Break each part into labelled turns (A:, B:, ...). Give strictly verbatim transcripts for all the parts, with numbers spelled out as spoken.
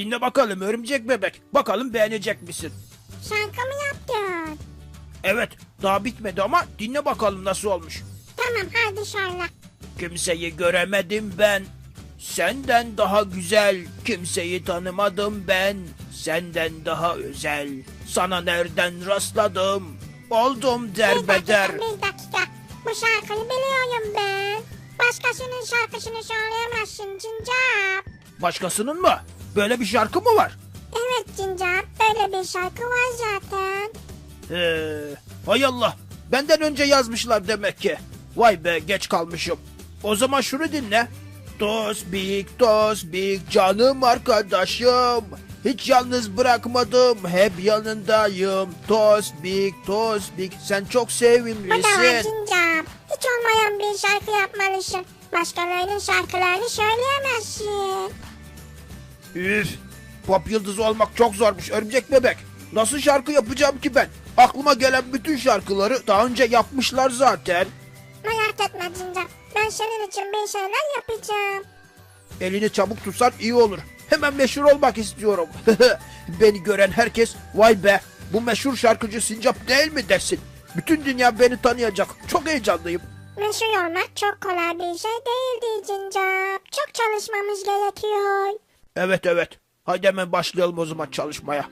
A: dinle bakalım örümcek bebek. Bakalım beğenecek misin?
B: Şarkı mı yaptın?
A: Evet, daha bitmedi ama dinle bakalım nasıl olmuş.
B: Tamam hadi şarla.
A: Kimseyi göremedim ben. Senden daha güzel. Kimseyi tanımadım ben. Senden daha özel. Sana nereden rastladım? Oldum
B: Bir
A: derbeder.
B: dakika bir dakika. Bu şarkıyı biliyorum ben. Başkasının şarkısını söyleyemezsin Cincap.
A: Başkasının mı? Böyle bir şarkı mı var?
B: Evet Cincap, böyle bir şarkı var zaten.
A: Ee, hay Allah. Benden önce yazmışlar demek ki. Vay be, geç kalmışım. O zaman şunu dinle. Tosbik tosbik canım arkadaşım. Hiç yalnız bırakmadım, hep yanındayım. Tosbik tosbik sen çok
B: Bu da var
A: sevimlisin.
B: Cincap. Hiç olmayan bir şarkı yapmalısın. Başkalarının şarkılarını söyleyemezsin.
A: Üf, pop yıldızı olmak çok zormuş örümcek bebek. Nasıl şarkı yapacağım ki ben? Aklıma gelen bütün şarkıları daha önce yapmışlar zaten.
B: Merak etme Cincap. Ben senin için bir şeyler yapacağım.
A: Elini çabuk tutsan iyi olur. Hemen meşhur olmak istiyorum. Beni gören herkes vay be bu meşhur şarkıcı Sincap değil mi desin. Bütün dünya beni tanıyacak. Çok heyecanlıyım.
B: Meşhur olmak çok kolay bir şey değildi Cincap. Çok çalışmamız gerekiyor.
A: Evet evet. Haydi hemen başlayalım o zaman çalışmaya.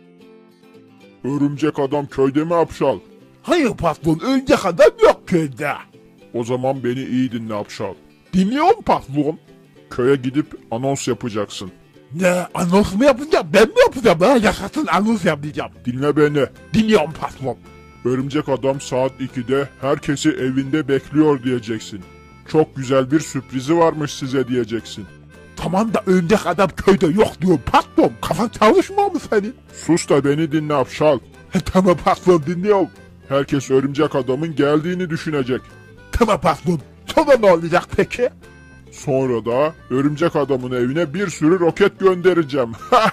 C: Örümcek adam köyde mi Apşal?
D: Hayır patron, örümcek adam yok köyde.
C: O zaman beni iyi dinle Apşal.
D: Dinliyorum patron.
C: Köye gidip anons yapacaksın.
D: Ne, anons mu yapacağım? Ben mi yapacağım? Ben yaşasın anons yapacağım.
C: Dinle beni.
D: Dinliyorum patron.
C: Örümcek adam saat ikide herkesi evinde bekliyor diyeceksin. Çok güzel bir sürprizi varmış size diyeceksin.
D: Tamam da örümcek adam köyde yok diyor patron. Kafan çalışmıyor mu senin?
C: Sus da beni dinle Apşal.
D: He, tamam patron, dinliyorum.
C: Herkes örümcek adamın geldiğini düşünecek.
D: Tamam patron. Sonra ne olacak peki?
C: Sonra da örümcek adamın evine bir sürü roket göndereceğim.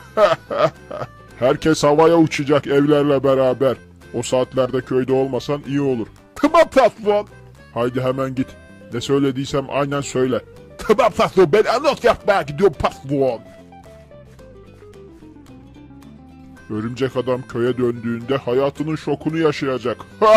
C: Herkes havaya uçacak evlerle beraber. O saatlerde köyde olmasan iyi olur.
D: Tamam patron.
C: Haydi hemen git. Ne söylediysem aynen söyle.
D: Tamam patron, ben anons yapmaya gidiyorum patron.
C: Örümcek adam köye döndüğünde hayatının şokunu yaşayacak.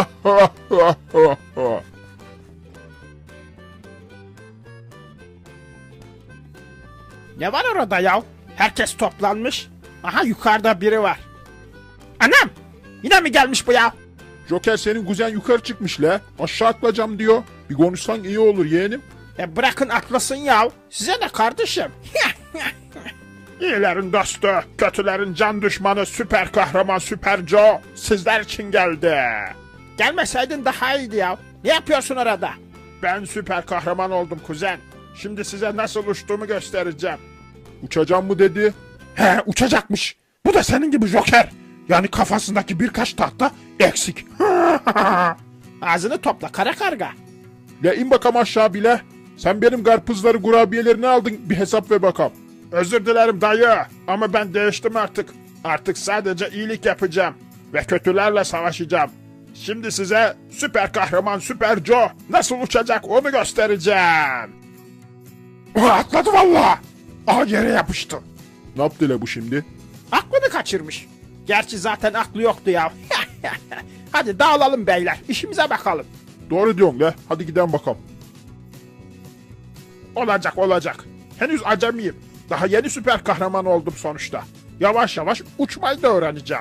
A: Ne var orada ya? Herkes toplanmış. Aha yukarıda biri var. Anam! Yine mi gelmiş bu ya?
C: Joker senin kuzen yukarı çıkmış la. Aşağı atlayacağım diyor. Bir konuşsan iyi olur yeğenim.
A: E bırakın atlasın ya. Size ne kardeşim? İyilerin dostu, kötülerin can düşmanı süper kahraman Süper Joe sizler için geldi. Gelmeseydin daha iyiydi ya. Ne yapıyorsun orada? Ben süper kahraman oldum kuzen. Şimdi size nasıl uçtuğumu göstereceğim.
C: Uçacağım mı dedi.
D: He, uçacakmış. Bu da senin gibi Joker. Yani kafasındaki birkaç tahta eksik.
A: Ağzını topla kara karga.
C: La in bakalım aşağı bile. Sen benim karpuzları kurabiyelerini aldın bir hesap ver bakalım.
A: Özür dilerim dayı ama ben değiştim artık. Artık sadece iyilik yapacağım ve kötülerle savaşacağım. Şimdi size süper kahraman Süper Joe nasıl uçacak onu göstereceğim.
D: Ulan atladı valla. Aha, yere yapıştı.
C: Ne yaptı la bu şimdi?
A: Aklını kaçırmış. Gerçi zaten aklı yoktu ya. Hadi dağılalım beyler işimize bakalım.
C: Doğru diyorsun la. Hadi gidelim bakalım.
A: Olacak olacak. Henüz acemiyim. Daha yeni süper kahraman oldum sonuçta. Yavaş yavaş uçmayı da öğreneceğim.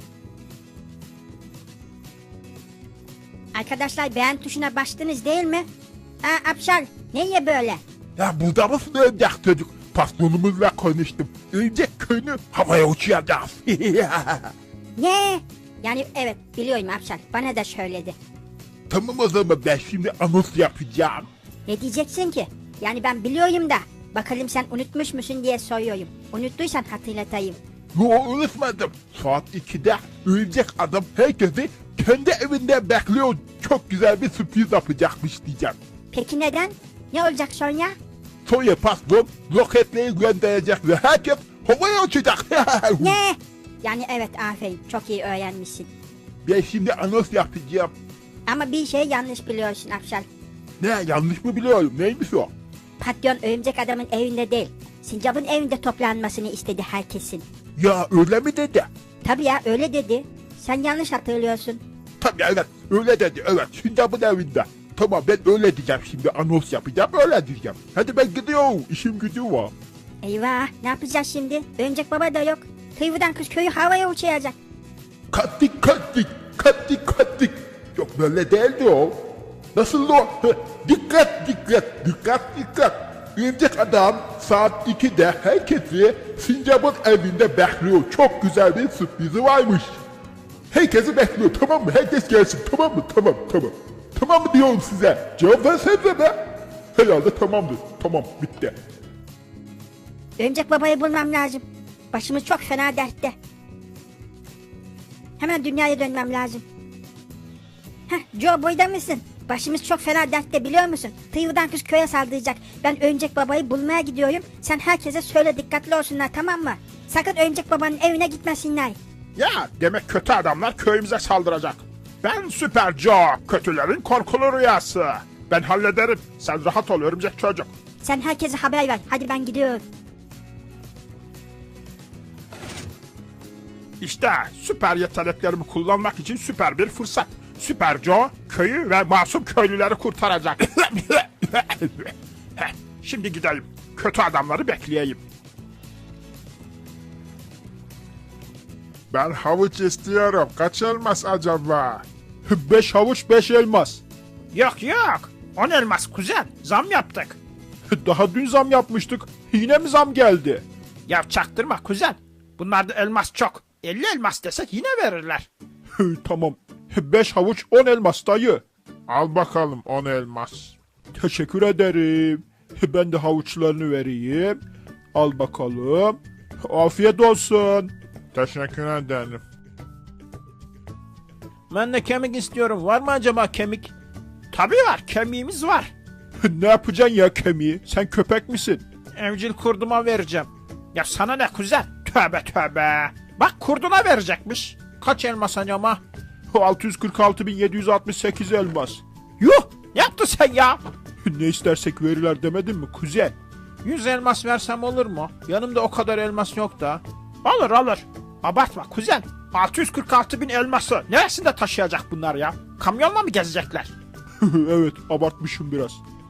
E: Arkadaşlar beğen tuşuna bastınız değil mi? Ha Apşal, neye böyle?
D: Ya burada mısın örümcek çocuk? Patronumuzla konuştum. Örümcek köyünü havaya uçuracağız.
E: Ne? Yani evet biliyorum Apşal, bana da söyledi.
D: Tamam o zaman ben şimdi anons yapacağım.
E: Ne diyeceksin ki? Yani ben biliyorum da. Bakalım sen unutmuş musun diye soruyorum. Unuttuysan hatırlatayım.
D: Yo, unutmadım. Saat ikide örümcek adam herkesi kendi evinde bekliyor. Çok güzel bir sürpriz yapacakmış diyeceğim.
E: Peki neden? Ne olacak sonra?
D: Sonra patron roketleri gönderecek ve herkes havaya uçacak.
E: Ne? Yani evet aferin, çok iyi öğrenmişsin.
D: Ben şimdi anons yapacağım.
E: Ama bir şey yanlış biliyorsun Apşal.
D: Ne, yanlış mı biliyorum? Neymiş o?
E: Patron örümcek adamın evinde değil. Sincap'ın evinde toplanmasını istedi herkesin.
D: Ya öyle mi dedi?
E: Tabii ya öyle dedi. Sen yanlış hatırlıyorsun.
D: Tabii evet öyle dedi evet Sincap'ın evinde. Tamam ben öyle diyeceğim şimdi anons yapacağım öyle diyeceğim. Hadi ben gidiyorum işim gücüm var.
E: Eyvah ne yapacağız şimdi? Örümcek baba da yok. Kıyıdan kız köyü havaya uçuyacak.
D: Kattik kattik kattik kattik. Yok böyle değildi o. Nasıl o? Heh, dikkat dikkat dikkat dikkat. Örümcek adam saat ikide herkesi Sincap'ın evinde bekliyor. Çok güzel bir sürprizi varmış. Herkesi bekliyor tamam mı? Herkes gelsin tamam mı? Tamam tamam. Tamam mı diyorum size? Cevap versenize be. Herhalde tamamdır. Tamam bitti.
E: Örümcek babayı bulmam lazım. Başımız çok fena dertte. Hemen dünyaya dönmem lazım. Heh, Joe boyda mısın? Başımız çok fena dertte biliyor musun? Tıyıdan kız köye saldıracak. Ben Örümcek babayı bulmaya gidiyorum. Sen herkese söyle dikkatli olsunlar tamam mı? Sakın Örümcek babanın evine gitmesinler.
D: Ya demek kötü adamlar köyümüze saldıracak. Ben Süper Joe, kötülerin korkulu rüyası. Ben hallederim. Sen rahat ol örümcek çocuk.
E: Sen herkese haber ver. Hadi ben gidiyorum.
D: İşte süper yeteneklerimi kullanmak için süper bir fırsat. Süper Joe köyü ve masum köylüleri kurtaracak. Heh, şimdi gidelim. Kötü adamları bekleyeyim.
C: Ben havuç istiyorum. Kaç elmas acaba?
D: Beş havuç beş elmas.
A: Yok yok. On elmas kuzen. Zam yaptık.
D: Daha dün zam yapmıştık. Yine mi zam geldi?
A: Ya çaktırma kuzen. Bunlarda elmas çok. elli elmas desek yine verirler.
D: Tamam. Beş havuç on elmas dayı.
C: Al bakalım on elmas.
D: Teşekkür ederim. Ben de havuçlarını vereyim. Al bakalım. Afiyet olsun.
C: Teşekkür ederim.
A: Ben de kemik istiyorum. Var mı acaba kemik? Tabii var. Kemiğimiz var.
D: Ne yapacaksın ya kemiği? Sen köpek misin?
A: Evcil kurduma vereceğim. Ya sana ne kuzen? Tövbe tövbe. Bak kurduna verecekmiş. Kaç elmas acaba?
D: altı yüz kırk altı bin yedi yüz altmış sekiz elmas.
A: Yuh! Ne yaptın sen ya?
D: Ne istersek verirler demedin mi kuzen?
A: yüz elmas versem olur mu? Yanımda o kadar elmas yok da. Olur olur. Abartma kuzen. altı yüz kırk altı bin elması neresinde taşıyacak bunlar ya? Kamyonla mı gezecekler?
D: Evet abartmışım biraz.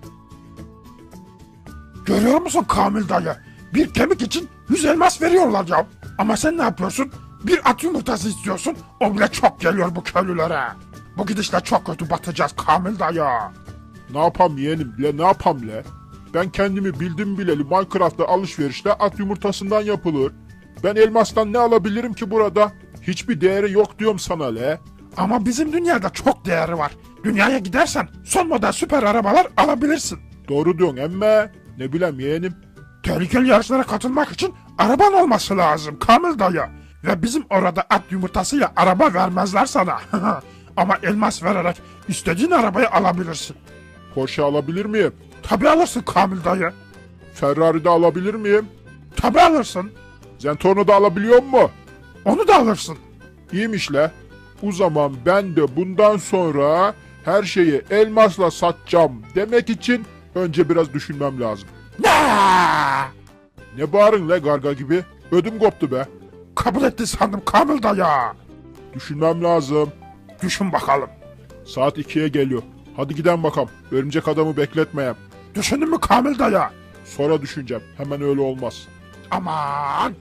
F: Görüyor musun Kamil dayı? Bir kemik için yüz elmas veriyorlar ya. Ama sen ne yapıyorsun? Bir at yumurtası istiyorsun. O bile çok geliyor bu köylülere. Bu gidişle çok kötü batacağız Kamil dayı.
C: Ne yapam yeğenim bile ne yapam le? Ben kendimi bildim bileli Minecraft'ta alışverişte at yumurtasından yapılır. Ben elmastan ne alabilirim ki burada? Hiçbir değeri yok diyorum sana le.
F: Ama bizim dünyada çok değeri var. Dünyaya gidersen son model süper arabalar alabilirsin.
C: Doğru diyorsun emme. Ne bileyim yeğenim.
F: Tehlikeli yarışlara katılmak için araban olması lazım Kamil dayı. Ve bizim orada at yumurtasıyla araba vermezler sana. Ama elmas vererek istediğin arabayı alabilirsin.
C: Porsche alabilir miyim?
F: Tabi alırsın Kamil dayı.
C: Ferrari de alabilir miyim?
F: Tabi alırsın.
C: Zentorno da alabiliyor mu?
F: Onu da alırsın.
C: İyiymiş le. O zaman ben de bundan sonra her şeyi elmasla satacağım demek için önce biraz düşünmem lazım.
F: Ne?
C: Ne bağırın le garga gibi? Ödüm koptu be.
F: Kabul etti sandım Kamil dayı.
C: Düşünmem lazım.
F: Düşün bakalım.
C: Saat ikiye geliyor. Hadi gidelim bakalım. Örümcek adamı bekletmeyeyim.
F: Düşündün mü Kamil dayı?
C: Sonra düşüneceğim. Hemen öyle olmaz.
F: Aman.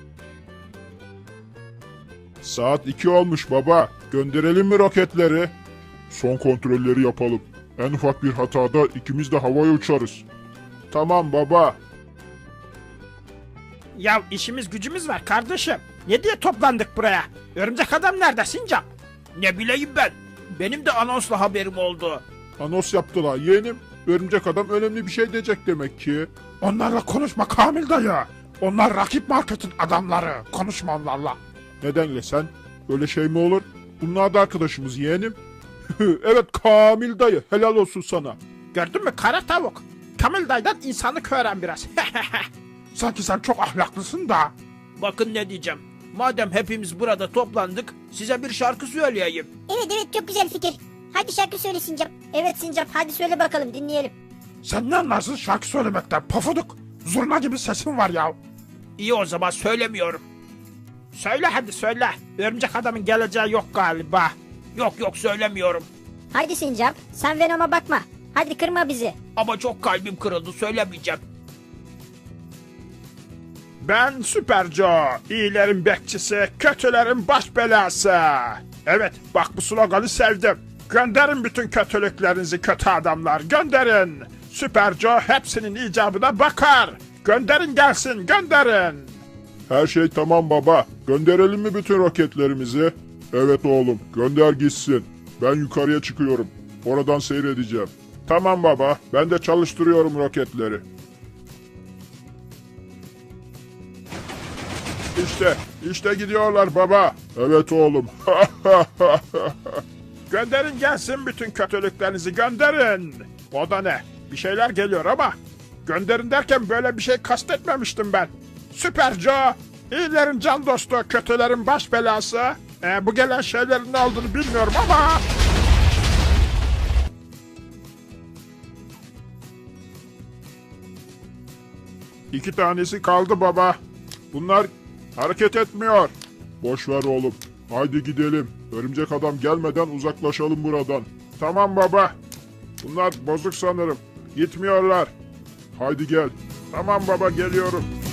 C: Saat iki olmuş baba. Gönderelim mi roketleri? Son kontrolleri yapalım. En ufak bir hatada ikimiz de havaya uçarız. Tamam baba.
A: Ya işimiz gücümüz var kardeşim. Ne diye toplandık buraya? Örümcek adam nerede Sincap? Ne bileyim ben. Benim de anonsla haberim oldu.
C: Anons yaptılar yeğenim. Örümcek adam önemli bir şey diyecek demek ki.
F: Onlarla konuşma Kamil dayı. Onlar rakip marketin adamları. Konuşma onlarla.
C: Nedenle sen? Öyle şey mi olur? Bunlar da arkadaşımız yeğenim. Evet Kamil dayı helal olsun sana.
A: Gördün mü kara tavuk? Kamil dayıdan insanlık öğren biraz.
F: Sanki sen çok ahlaklısın da.
A: Bakın ne diyeceğim. Madem hepimiz burada toplandık, size bir şarkı söyleyeyim.
B: Evet evet çok güzel fikir. Hadi şarkı söyle Sincap.
E: Evet Sincap hadi söyle bakalım dinleyelim.
F: Sen ne anlarsın şarkı söylemekten pofuduk? Zurna gibi sesin var ya.
A: İyi o zaman söylemiyorum. Söyle hadi söyle. Örümcek adamın geleceği yok galiba. Yok yok söylemiyorum.
E: Haydi Sincap sen Venom'a bakma. Hadi kırma bizi.
A: Ama çok kalbim kırıldı söylemeyeceğim.
F: Ben Süper Joe. İyilerin bekçisi, kötülerin baş belası. Evet, bak bu sloganı sevdim. Gönderin bütün kötülüklerinizi kötü adamlar, gönderin. Süper Joe hepsinin icabına bakar. Gönderin gelsin, gönderin.
C: Her şey tamam baba. Gönderelim mi bütün roketlerimizi? Evet oğlum, gönder gitsin. Ben yukarıya çıkıyorum. Oradan seyredeceğim. Tamam baba, ben de çalıştırıyorum roketleri. İşte, işte gidiyorlar baba. Evet oğlum.
F: Gönderin gelsin bütün kötülüklerinizi, gönderin. O da ne? Bir şeyler geliyor ama gönderin derken böyle bir şey kastetmemiştim ben. Süper Joe, iyilerin can dostu, kötülerin baş belası. Ee, bu gelen şeylerin ne olduğunu bilmiyorum ama...
C: İki tanesi kaldı baba. Bunlar hareket etmiyor. Boş ver oğlum. Haydi gidelim. Örümcek adam gelmeden uzaklaşalım buradan. Tamam baba. Bunlar bozuk sanırım. Gitmiyorlar. Haydi gel. Tamam baba geliyorum.